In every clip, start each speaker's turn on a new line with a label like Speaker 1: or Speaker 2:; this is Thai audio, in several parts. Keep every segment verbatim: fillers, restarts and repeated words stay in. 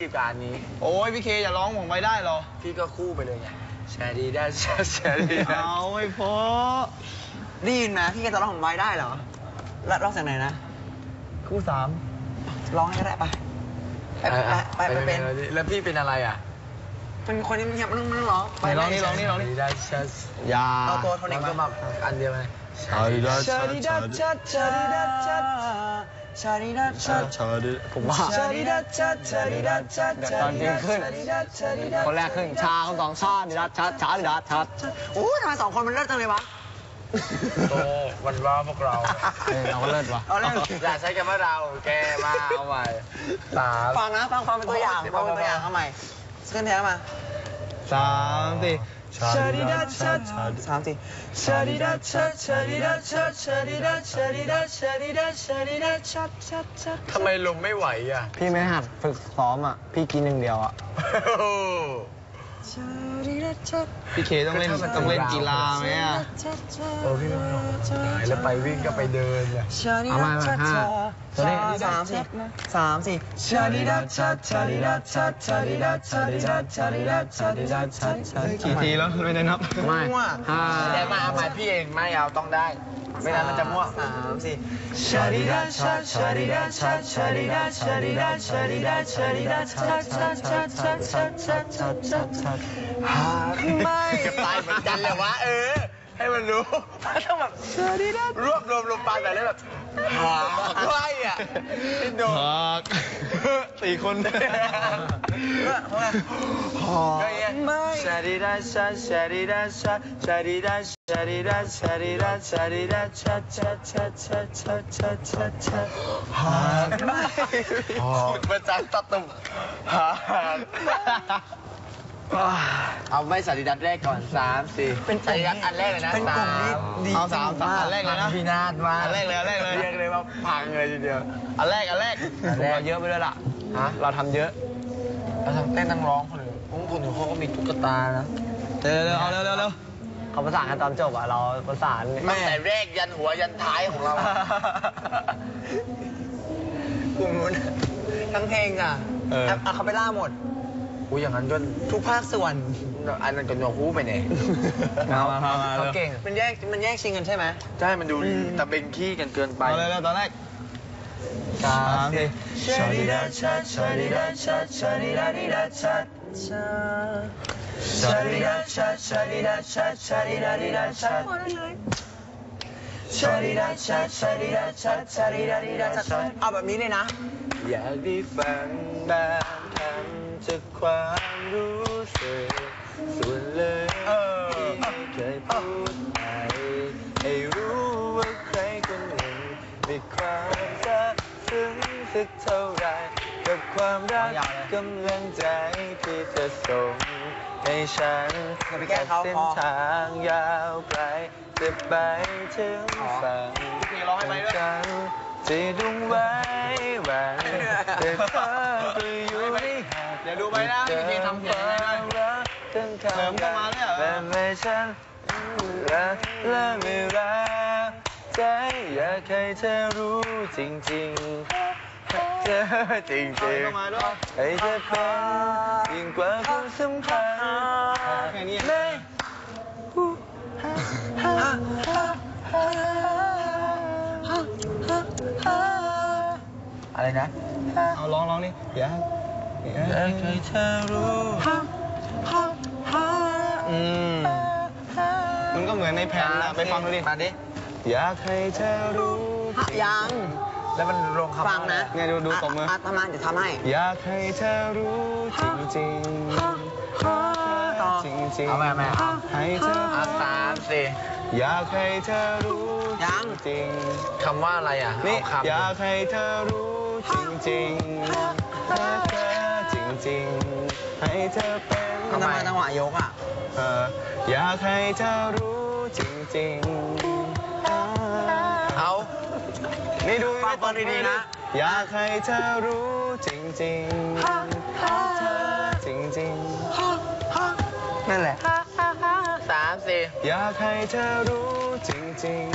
Speaker 1: การนี้
Speaker 2: โอ้ยพี่เคอย่าร้องผมไม่ได้หรอ
Speaker 1: พี่ก็คู่ไปเลยไงแชร์ดีได้แชร์แชร์ดี
Speaker 2: เอาไม่พอ
Speaker 3: ได้ยินไหมพี่เคจะร้องผมไว้ได้เหรอแล้วร้องจากไหนนะ
Speaker 2: คู่สาม
Speaker 3: ร้องให้ก็ได้ไปไปไปไปเป็น
Speaker 1: แล้วพี่เป็นอะไรอ่ะ
Speaker 3: เป็นคนที่มันยังมันมันร้อง
Speaker 2: ไปร้องนี่ร้องนี่ร้องนี่ได้ชัดยา
Speaker 3: เอาตัวโทนิก
Speaker 1: มาอันเดียวไหม
Speaker 2: ชาดิดัชชาดิดัชชา
Speaker 3: ชาดิดัชชาชาดิดัชชา
Speaker 2: ชาดิผมว่า
Speaker 3: ชาดิดัชชาชาดิดัชชา
Speaker 2: ตอนจริงขึ้นคนแรกขึ้นชาคนสองชาดิดัชชาชาดิดัชชา
Speaker 3: โอ้ทำไมสองคนมันเลิศจังเลยวะ
Speaker 1: โตวันว่าพวกเรา
Speaker 2: เราก็เลิศวะ
Speaker 1: อย่าใช้คำว่าเราแกมาเอาใหม่สาม
Speaker 3: ฟังนะฟังความเป็นตัวอย่างฟังเป็นตัวอย่างเอาใหม่ขึ้นแท้มา
Speaker 2: สามสี่
Speaker 3: ชาดิดัชชาสามสี่ชาดิดัชชาชาดิดัชชาชาดิดัชชาดิดัชชาดิดัชชาดิดัชชาชาชา
Speaker 1: ทำไมลมไม่ไหวอ่ะ
Speaker 2: พี่ไม่หัดฝึกซ้อมอ่ะพี่กินหนึ่งเดียวอ่ะพี่เคต้องเล่นต้องเล่นกีฬาไหมอ่ะ
Speaker 1: โอ้พี่ไม่หรอกแล้วไปวิ่งก็ไปเดินเลย
Speaker 2: เอามามาห้า
Speaker 3: ตัวนี้สามสี่สามสี่ชาดิดัชชาชาดิดัชชาชาดิดัชชาดิดัชชาดิดัชชาดิดัชชา
Speaker 2: กี่ทีแล้วไม่ได้นับ
Speaker 1: ไม่ห้าแต่มาเอามาพี่เองไม่เอาต้องได้ไม่งั้นมันจะมั่ว
Speaker 3: สามสี่ชาดิดัชชาชาดิดัชชาชาดิดัชชาดิดัชชาดิดัชชาดิดัชชาชาชาชาชาชาชาชาชาหากไม่
Speaker 1: จะตายเหมือนกันเลยวะเออให้มันรู้ต้องแบบรวบรวมลงไปแบบนี้แบบหากไม่อ่ะพี่โด
Speaker 2: หากสี่คน
Speaker 3: หากไม่
Speaker 1: ชาดิดัชชาชาดิดัชชาชาดิดัชชาดิดัชชาดิดัชชาดิดัชชาชาชาชาชาชาชาชา
Speaker 3: หากไม่
Speaker 1: ประจันตตุ่มหากเอาไม่สาดิดัชแรกก่อนสามสี่
Speaker 3: เป็น
Speaker 1: สาดิดัชอันแรกเลยนะ
Speaker 3: เป็นกลุ่มนี้ดี
Speaker 2: เอาสามสามอันแรกเลยนะ
Speaker 1: พี่นาดมา
Speaker 2: อันแรกเลยอันแรกเลย
Speaker 1: เรียกเลยว่าพังเลยทีเดียว
Speaker 2: อันแรกอันแรกเราเยอะไปด้วยล่ะฮะเราทำเยอะ
Speaker 1: เราทำเต้นทั้งร้องคนอื่นคนอื่นเขาก็มีตุ๊กตานะ
Speaker 2: เร็วเร็วเอาเร็วเร็วเร็วเขาประสานกันตอนจบอ่ะเราประสาน
Speaker 1: ตั้งแต่แรกยันหัวยันท้ายของเรา
Speaker 3: กลุ่มนู้นทั้งเพลงอ่ะอะคาเปล่าหมด
Speaker 1: กูอย่างนั้นก็
Speaker 3: ทุกภาคส่วน
Speaker 1: อันนั้นก็โยกูไปเนี่ย
Speaker 3: เขาเก่งมันแยกมันแยกชิงกันใช่ไหม
Speaker 1: ใช่มันดูตะเบงขี้กันเกินไป
Speaker 2: เอาเลยตอนแรกสามสี่
Speaker 3: ชาดิดัชชาชาดิดัชชาชาดิดัดิดัชชาชาดิดัชชาชาดิดัชชาชาดิดัดิดัชชาชาดิดัชชาชาดิดัชชาชาดิดัดิดัชชาเอาแบบนี้เลยนะ
Speaker 1: อยากได้ฟังบางคำจากความรู้สึกส่วนเลยที่เคยพูดไปให้รู้ว่าใครคนหนึ่งมีความซาบซึ้งสักเท่าไรกับความรักกำลังใจที่เธอส่งให้ฉัน
Speaker 3: กับ
Speaker 1: เส้นทางยาวไกลจะไปถึงฝั่งฉันจะดุงไว้วันแต่เธอก็อยู่ในหาด
Speaker 2: เดี๋ยวดูไปนะพี่เคทำเพลงอะไรด้วยเสริมเข้ามาเนี่ย
Speaker 1: แต่ไม่ฉันรักและไม่รักใจอยากให้เธอรู้จริงๆเธอจริงๆให้เธอเป็นยิ่งกว่าความสัมพันธ์ไม่อะไรนะ
Speaker 2: เอาร้องร้องนี่อย่า
Speaker 1: อยากให้เธอรู้
Speaker 2: อืมมันก็เหมือนในแผ่นนะไปฟังดูดิ
Speaker 1: มาดิ
Speaker 2: อยากให้เธอรู้
Speaker 3: ยัง
Speaker 1: แล้วมันลงคำ
Speaker 3: ฟังนะ
Speaker 2: เนี่ยดูดูตบมือ
Speaker 3: อาตมาจะทำให้
Speaker 2: อยากให้เธอรู้จริงจริงจริงจริง
Speaker 1: เอามามา
Speaker 2: ให้เธอ
Speaker 1: สามสี่
Speaker 2: อยากให้เธอรู้
Speaker 3: ยัง
Speaker 2: จริง
Speaker 1: คำว่าอะไรอ่ะ
Speaker 2: นี่อยากให้เธอรู้จริงจริงให้เธอจริงจริงให้เธอเป็น
Speaker 3: ทำไมจังหวะยกอ่ะ
Speaker 2: เอออยากให้เธอรู้จริงจริง
Speaker 1: เอา
Speaker 2: นี่ดู
Speaker 3: ฟังฟังดีๆนะ
Speaker 2: อยากให้เธอรู้จริงจริงให้เธอจริงจริง
Speaker 3: นั่นแหละ
Speaker 1: สามสี่
Speaker 2: อยากให้เธอรู้จริงจริง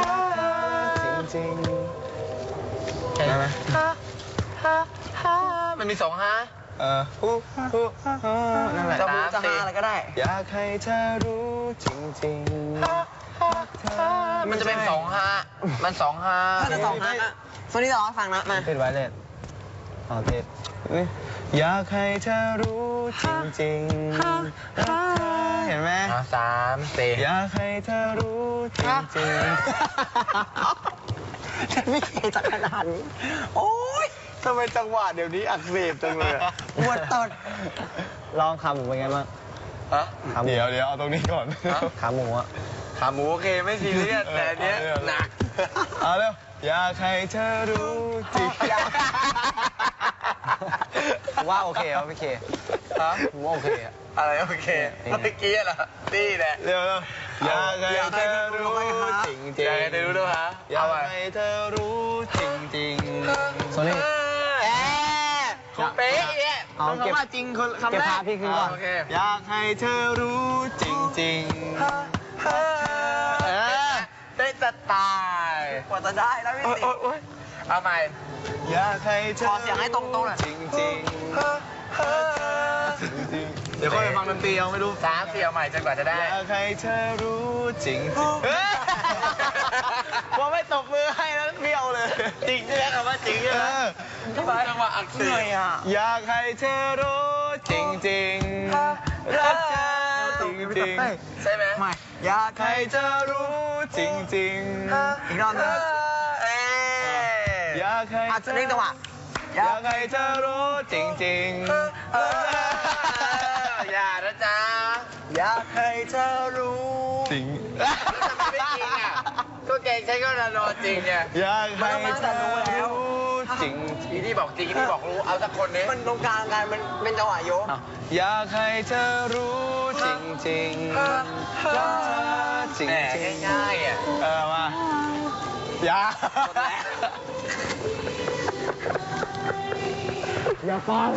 Speaker 2: จริงจริงได้ไหม
Speaker 1: มันมีสองฮะ
Speaker 2: เออฮู้ฮู้ฮู้นั่นแหละ
Speaker 3: จะพูดจะฮาอะไรก็ได้
Speaker 2: อยากให้เธอรู้จริงๆ
Speaker 1: มันจะเป็นสองฮะมันสองฮะ
Speaker 3: ถ้าจะสองฮะอะโซนี่จะร้องให้ฟังนะ มา
Speaker 2: ติดไว้เลยโอเคอยากให้เธอรู้จริงๆรักเธอเห็นไหม
Speaker 1: อ่ะสามสี่
Speaker 2: อยากให้เธอรู้จริง
Speaker 3: ฉันไม่เคยจะขนาดนี้ โอ๊ย
Speaker 2: ๆทำไมจังหวะเดี๋ยวนี้อักเสบจังเลยอะ
Speaker 3: ปวดตด
Speaker 2: ลองขาหมูเป็นไงบ้าง
Speaker 1: ฮะ
Speaker 2: เดี๋ยวเดี๋ยวเอาตรงนี้ก่อน
Speaker 1: ฮะ
Speaker 2: ขาหมูอะ
Speaker 1: ขาหมูโอเคไม่ซีเรียสแต่อันเนี้ยหนัก
Speaker 2: เอาเร็วอยากให้เธอรู้จริง ว่าโอเคเหรอพี่เค
Speaker 1: ฮะ
Speaker 2: ผมว่าโอเคอะ
Speaker 1: อะไรโอเคเมื่อกี้เหรอนี่แหละ
Speaker 2: เร็วเร็วอยากให้เธอรู้จริงจริง
Speaker 1: อยากให้เธอรู้ด้วยฮะ
Speaker 2: อยา
Speaker 1: เอา
Speaker 2: ก
Speaker 1: ไป
Speaker 2: ให้เธอรู้จริงจริงโซนี่
Speaker 1: แอะคุณเป๊ะเนี่ย
Speaker 2: เอา
Speaker 1: ต้อง
Speaker 2: เก็บ
Speaker 1: คำว่าจริงคนคำแรก
Speaker 2: เก็บภาพพี่ขึ้นก่อน
Speaker 1: โอเค
Speaker 2: อยากให้เธอรู้จริงจริง
Speaker 1: เออได้จะตาย
Speaker 3: กว่าจะได้แล้วพี่
Speaker 1: โอ๊ย
Speaker 3: สิ
Speaker 1: โอ๊ยโอ๊ยเอาใหม่
Speaker 2: อยากให้เธอ
Speaker 3: ขอเสียงให้ตรงๆหน่อย
Speaker 2: จริงจริงจริงเดี๋ยวค่อยไปฟังดนตรีเอาไม่รู้
Speaker 1: สามสี่เอาใหม่จนกว่าจะได้
Speaker 2: อยากให้เธอรู้จริงจริงเฮ้ยพอไม่ตบมือให้แล้วเบี้ยวเลย
Speaker 1: จริงใช่ไหมคำว่าจริงใช่ไหม
Speaker 2: เออ
Speaker 1: จังหวะอักเส
Speaker 3: เหนื่อย
Speaker 1: บ
Speaker 3: อ่ะ
Speaker 2: อยากให้เธอรู้จริงจริงรักเธอจริงจริง
Speaker 1: ใช่ไหม
Speaker 3: ไม่อยาก
Speaker 2: ให้เธอรู้จริงจริง
Speaker 3: อีกรอบหนึง
Speaker 1: เอ๊ะ
Speaker 2: อยากให้
Speaker 3: อ่ะ
Speaker 2: เธอ
Speaker 3: เร่งจังหวะ
Speaker 2: อยากให้เธอรู้จริงจริง
Speaker 1: อย่านะจ๊ะ
Speaker 3: อยากให้เธอรู้
Speaker 2: จริง
Speaker 1: ทำไมไม่จริงอ่ะก็เก่งใช้ก็นอนจริงเนี่ย
Speaker 2: อยากให้เธอรู้จริง
Speaker 1: อีนี่บอกจริงอีนี่บอกรู้เอาสักคนนี้
Speaker 3: มันตรงกลางกันมันเป็นจังหวะโยก
Speaker 2: อยากให้เธอรู้จริงจริงรักเธอจริง
Speaker 1: แหม
Speaker 2: จริง
Speaker 1: ง่ายๆอ่ะ
Speaker 2: เออมาอย่า
Speaker 1: หมดแล้ว
Speaker 3: อย่าฟัง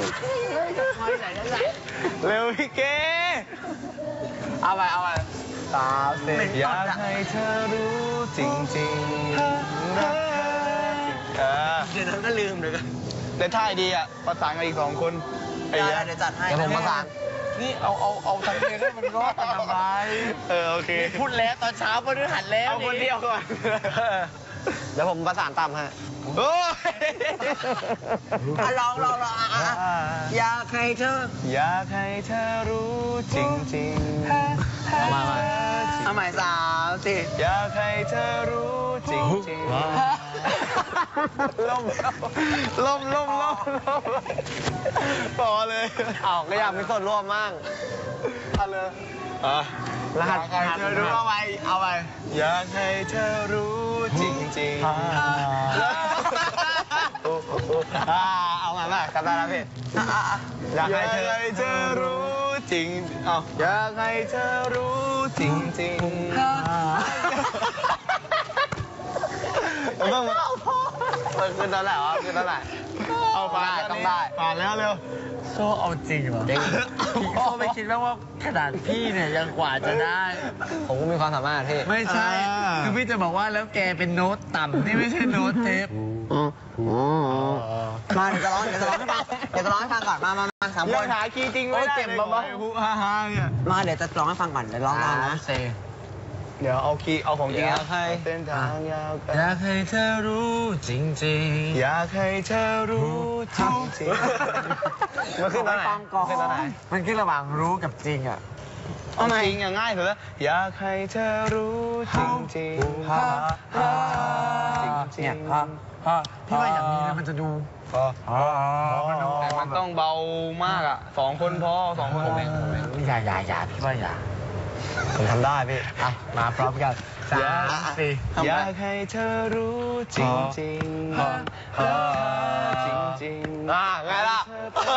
Speaker 2: เร็วพี่เก๋
Speaker 1: เอาไปเอาไป
Speaker 2: สามสี่อยากให้เธอรู้จริงจริงรักเธอเออ
Speaker 3: เดี๋ยวนั้นก็ลืมเลยกัน
Speaker 2: แต่ท่ายดีอ่ะประสานกันอีกสองคนไอ้
Speaker 3: ได้
Speaker 2: เหี้ย
Speaker 3: เดี๋ยวจัดให้
Speaker 2: เดี๋ยวผมประสาน
Speaker 1: นี่เอาเอาเอาทำเพลงให้มันรอดกันทำไม
Speaker 2: เออโอเค
Speaker 1: พูดแล้วตอนเช้าพฤหัสแล้ว
Speaker 2: เอาคนเดียวก่อน
Speaker 3: เดี๋ยวผมประสานตามให้
Speaker 2: โอ้ย
Speaker 3: อ่ะลองลองลองอ่ะอ่ะอ่ะอยากให้เธอ
Speaker 2: อยากให้เธอรู้จริงจริงมามา
Speaker 3: เอาใหม่สามสี่
Speaker 2: อยากให้เธอรู้จริงจริงล่มล่มล่มล่มล่มพอเลย
Speaker 3: อ้าวก็อยากมีส่วนร่วมมั่ง
Speaker 2: เอาเลยอ่ะ
Speaker 3: รหัส
Speaker 1: อยากให้เธอรู้เอาไปเอาไป
Speaker 2: อยากให้เธอรู้จริงจริงอ่าเอามามาจำได้แล้วพี่
Speaker 3: อ่ะอ่ะอ่ะ
Speaker 2: อยากให้เธอเธอรู้จริงเอาอยากให้เธอรู้จริงจริงต้องมามันคือตอนไหนวะคือตอนไหนเอาผ่านต้องได้ผ่านแล้วเร็ว
Speaker 1: โซ่เอาจริงเหรอโซ่ไม่คิดว่าว่าขนาดพี่เนี่ยยังกว่าจะได้
Speaker 2: ผมก็มีความสามารถพี่
Speaker 1: ไม่ใช่ คือพี่จะบอกว่าแล้วแกเป็นโน้ตต่ำนี่ไม่ใช่โน้ตเทป
Speaker 3: มาเดี๋ยวจะร้องเดี๋ยวจะร้องให้ฟังเดี๋ยวจะร้องให้ฟังก่อนมามามาสามค
Speaker 2: ยัง
Speaker 3: น
Speaker 2: หาคีย์จริงไม่ได้
Speaker 1: เก็บ
Speaker 2: เลย
Speaker 1: มาบ้าง
Speaker 2: ฮูฮ่าฮ่าเนี่ย
Speaker 3: มาเดี๋ยวจะร้องให้ฟังก่อนเดี๋ยวร้องตามนะ
Speaker 1: เซ
Speaker 2: เดี๋ยวเอาคีย์เอาของจริง
Speaker 3: อยา
Speaker 2: นะ
Speaker 3: กให้
Speaker 2: เส้นทางยาวไกล
Speaker 1: อยากให้เธอรู้จริงๆ
Speaker 2: อยากให้เธอรู้จริงจริงมันขึ้นตอนไหน
Speaker 3: ฟังก่อน
Speaker 2: ขึ้นตอนไหน
Speaker 1: มันขึ้นระหว่างรู้กับจริงอ่ะ
Speaker 2: เอาจริงอย่างง่ายสุดแล้วอยากให้เธอรู้จริงจริง
Speaker 1: ฮ่าฮ่า
Speaker 2: จริงๆ
Speaker 1: เนี่ยฮ่าฮ่าพี่ว่าอย่างนี้นะมันจะดู
Speaker 2: พอ
Speaker 1: อ๋อ
Speaker 2: แต่มันต้องเบามากอ่ะสองคนพอสองคนผมเองผมเอง
Speaker 1: อย่าอย่าอย่าพี่ว่าอย่า
Speaker 2: ผมทำได้พี่
Speaker 1: อ่ะมาพร้อมกันสามสี่
Speaker 2: อยากให้เธอรู้จริงจริงจริงจริงอ่าไงล่ะ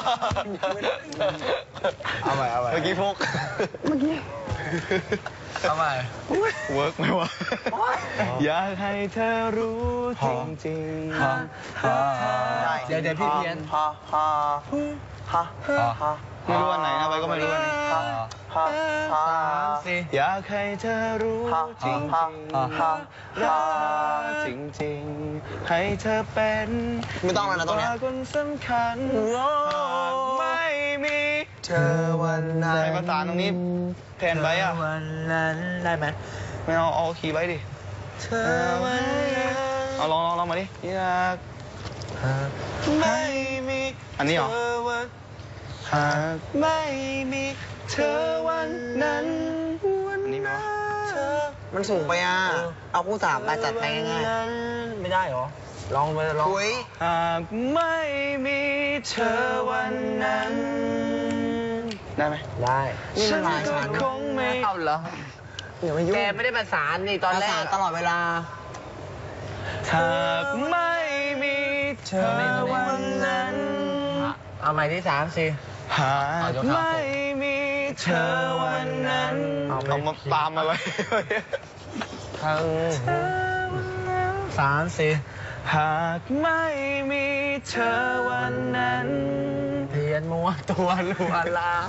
Speaker 2: เอาใหม่เอาใหม่เมื่อกี้พกเมื่อกี้
Speaker 1: เอาใหม่
Speaker 2: เวิร์กไหมวะอยากให้เธอรู้จริงจริง
Speaker 1: เดี๋ยวเดี๋ยวพี่เพี้ยน
Speaker 3: ฮ่าฮ่าฮ่าฮ่าฮ่า
Speaker 2: ไม่รู้วันไหนนะไปก็ไม่รู้วันนี้
Speaker 3: ฮ่า
Speaker 1: ฮ่าฮ่า
Speaker 2: อยากให้เธอรู้จริงจริงรักจริงจริงให้เธอเป็น
Speaker 3: ไม่ต้องแล้วนะตรงเนี้ย
Speaker 2: คนสำคัญหากไม่มีเธอวันนั้นใช้ประสานตรงนี้แทนไว้อะ
Speaker 3: วันนั้นได้ไหม
Speaker 2: ไม่เอาเอาคีย์ไว้ดิ
Speaker 3: เธอวันนั้น
Speaker 2: เอาลองลองลองมาดิอยากไม่มีอันนี้เหรอหากไม่มีเธอวันนั้นอันนี้ไหมวะ
Speaker 3: มันสูงไปอ่ะ เอาคู่สามไปจัดไปง่ายๆไม่ได้หรอ ลองไปลองคุย
Speaker 2: หากไม่มีเธอวันนั้น ได้ไหม
Speaker 3: ได้ นี่มันลายฉัน
Speaker 2: คงไม่
Speaker 3: เอาเหรออย่ามายุ่งแกไม่ได้ประสานนี่ตอนแรกประสานตลอดเวลา
Speaker 2: หากไม่มีเธอวันนั้น
Speaker 3: เอาใหม่ที่สามสิ
Speaker 2: หากไม่มีเธอวันนั้นเอามาตามมาเลย
Speaker 3: ทั้งสามสิ
Speaker 2: หากไม่มีเธอวันนั้น
Speaker 3: เทียนมัวตัวลัวลา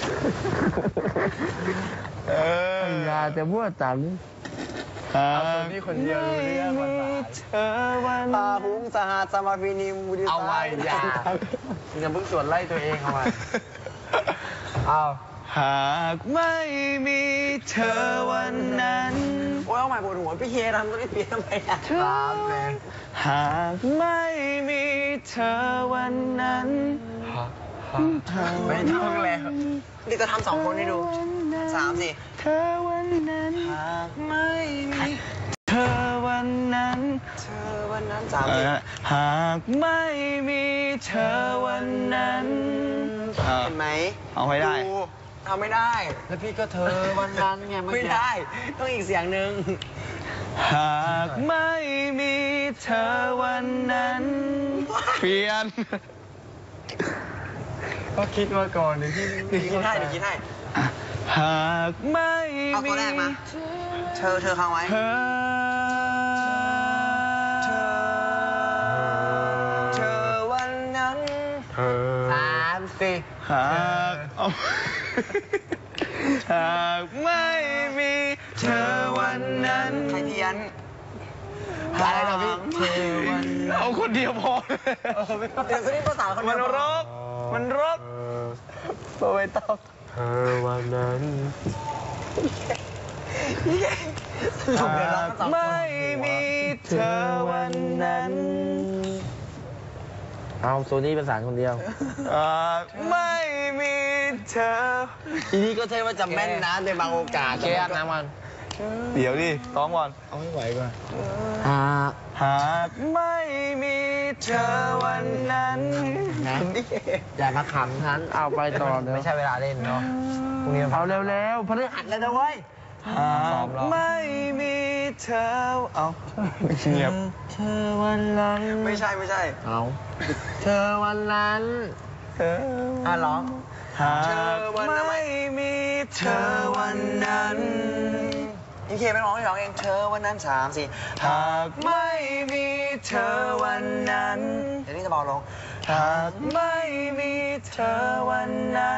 Speaker 2: เออ
Speaker 3: อย่าจะมั่วจัง
Speaker 2: หาก
Speaker 3: เอาตัวนี้คนเดียวรู้เรื่องภาษา
Speaker 2: เธอวัน
Speaker 3: ปาหุงสหัสมาฟินิมบุดิเอาไว้อย่าอย่าเพิ่งสวนไล่ตัวเองเอาไว้เอา
Speaker 2: หากไม่มีเธอวันนั้น
Speaker 3: โอ้ยเอาใหม่ปวดหัวพี่เคทำตัวนี้เปลี่ยนทำไมอ่ะสามเลย
Speaker 2: หากไม่มีเธอวันนั้น
Speaker 3: ไม่ต้องแล้วนี่จะทำสองคนให้ดูสามสิ
Speaker 2: เธอวันนั้นหากไม่มีเธอวันนั้น
Speaker 3: เธอวันนั้นสามสิ
Speaker 2: หากไม่มีเธอวันนั้นเห็
Speaker 3: เห็นไหม
Speaker 2: เอาไม่ได้
Speaker 3: ทำไม่ได้ แล้วพี่ก็เธอวันนั้นไงไม่ได้ ต้องอีกเสียงหนึ่ง
Speaker 2: หากไม่มีเธอวันนั้นเปลี่ยน
Speaker 3: ก็คิดมาก่อนเดี๋ยวพี่คิดให้เดี๋ยวคิดให้
Speaker 2: หากไม่
Speaker 3: เอาตัว
Speaker 2: มี
Speaker 3: แรกมา เธอเธอค้างไว้
Speaker 2: เธอ
Speaker 3: เธอ เธอวันนั้นสามสี่
Speaker 2: หากเอาหากไม่มีเธอวันนั้น
Speaker 3: ใครเพี้ยนอะไรนะพี่เธอวันนั้น
Speaker 2: เอาคนเดียวพอ
Speaker 3: เดี๋ยวนี้ภาษาคน
Speaker 2: มัน
Speaker 3: เดียว
Speaker 2: รกมันรกไม่ต้อง
Speaker 1: เธอวันนั้น
Speaker 3: ถูกเดี๋ยวเรา
Speaker 2: หาก
Speaker 3: ก็สองคน
Speaker 2: ไม่มีเธอวันนั้น
Speaker 3: เอาโซนี่เป็นสารคนเดียว
Speaker 2: หากไม่มีเธอ
Speaker 3: ทีนี้ก็ใช่ว่าจะแม่นนะในบางโอกาสแค่นะมัน
Speaker 2: เดี๋ยวดิร้องก่อน
Speaker 3: เอาไม่ไหวก่อนอ่า
Speaker 2: หากไม่มีเธอวันนั้น
Speaker 3: นะอย่ามาขำฉันเอาไปต่อไม่ใช่เวลาเล่นเนาะพรุ่งนี้เอาเร็วๆพฤหัสแล้วนะเว้ย
Speaker 2: หากไม่มีเธอ เอาเงียบ
Speaker 3: เธอวันนั้นไม่ใช่ไม่ใช่เอาเธอวันนั้น
Speaker 2: เธอ
Speaker 3: อ่ะร้อง
Speaker 2: หากไม่มีเธอวันนั้น
Speaker 3: พี่เคไม่ร้องให้ร้องเองเธอวันนั้นสามสี่
Speaker 2: หากไม่มีเธอวันนั้น
Speaker 3: เดี๋ยวนี้จะเบาลง
Speaker 2: หากไม่มีเธอวันนั้น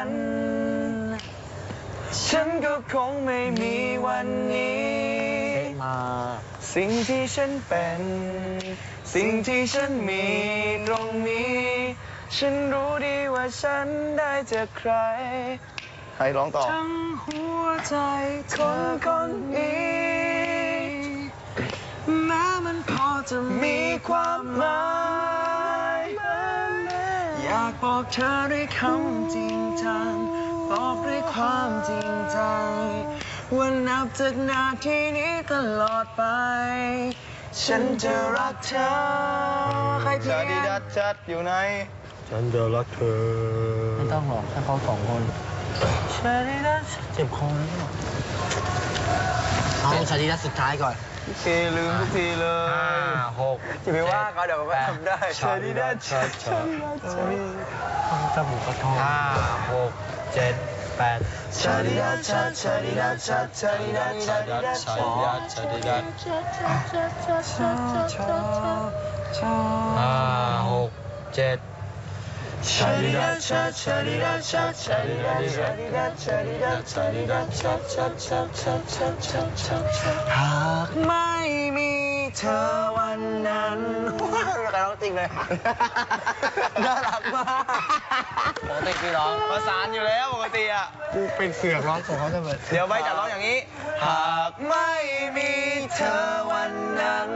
Speaker 2: ฉันก็คงไม่มีวันนี้
Speaker 3: มา
Speaker 2: สิ่งที่ฉันเป็น สิ่งที่ฉันมีตรงนี้ ฉันรู้ดีว่าฉันได้จากใคร ใครร้องต่อ ทั้งหัวใจคนคนนี้แม้มันพอจะมีความหมายอยากบอกเธอด้วยคำจริงจังบอกด้วยความจริงใจว่านับจากนาทีนี้ตลอดไป ฉันจะรักเธอใครเพียงดีดัดจัดอยู่ไหน
Speaker 1: ฉันจะรักเธอ
Speaker 3: ไม่ต้องหรอกถ้าเขาสองคนชาดีดัสเจ็บคอแล้วหรอเอาชาดีดัสสุดท้ายก่อน
Speaker 2: โอเคลืมทุกทีเลย
Speaker 3: หกจะไปว่าเขาเดี๋ยวเขาก็ทำได้
Speaker 2: ชาดีดัดจัดฉันรักเธอ
Speaker 3: ต้องจมูกกระทองห้าหกเจ็ดแปด
Speaker 2: ชาดีดัดจัดชาดีดัดจัดชาดีดัดชาดีดัด
Speaker 1: ชาดีดัดชาดีดัด
Speaker 3: ห้าหกเจ็ด
Speaker 1: ชาดิดาชาชาดิดาชาชาดิดาชาดิดาชาดิดาชาดิดาชาชาชาชาชาชาชาชาหากไม่มีเธอวันนั้นว้าวใครร้องจริงเลยน่ารักมากปกติพี่ร้องประสานอยู่แล้วปกติอ่ะ
Speaker 2: กูเป็นเสือกร้องของเขาจะเบิด
Speaker 1: เดี๋ยวใบจะร้องอย่างนี้หากไม่มีเธอวันนั้น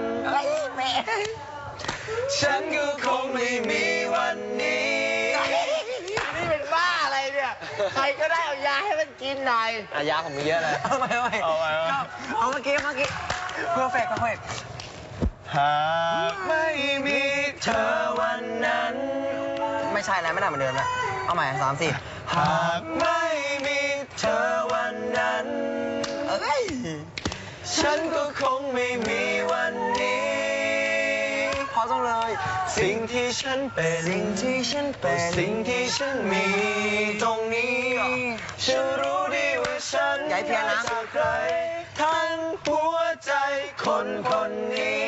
Speaker 1: ฉันก็คงไม่มีวันนี้
Speaker 3: นี่เป็นบ้าอะไรเนี่ย ใครก็ได้เอายาให้มันกินหน่อย
Speaker 1: อายาผมมีเยอะเลย
Speaker 3: เอาไปเอาไป
Speaker 1: เอาไปเอาไป
Speaker 3: เอาเมื่อกี้เมื่อกี้เพอร์เฟกต์เพอร์เฟกต์
Speaker 1: หากไม่มีเธอวันนั้น
Speaker 3: ไม่ใช่แล้วไม่น่าเหมือนเดิมแล้วเอาใหม่สามสี่
Speaker 1: หากไม่มีเธอวันนั้น
Speaker 3: เอ้ย
Speaker 1: ฉันก็คงไม่มีวันนี้
Speaker 3: พอต้องเลย
Speaker 1: สิ่งที่ฉันเป็น
Speaker 3: สิ่งที่ฉันเป็น
Speaker 1: สิ่งที่ฉันมีตรงนี้ฉันรู้ดีว่าฉัน
Speaker 3: อย่าให้เพี้ยนนะ
Speaker 1: จากใครทั้งหัวใจคนคนนี้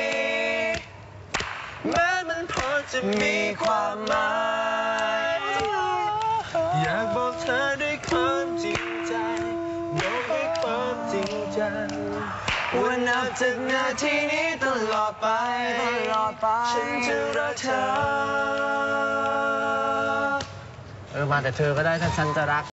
Speaker 1: แม้มันพอจะมีความหมาย อยากบอกเธอด้วยความจริงใจบอกด้วยความจริงจังว่านับจากนาทีนี้ตลอดไป
Speaker 3: ตลอดไป
Speaker 1: ฉันจะรักเธอ
Speaker 3: เออมาแต่เธอก็ได้ถ้าฉันจะรัก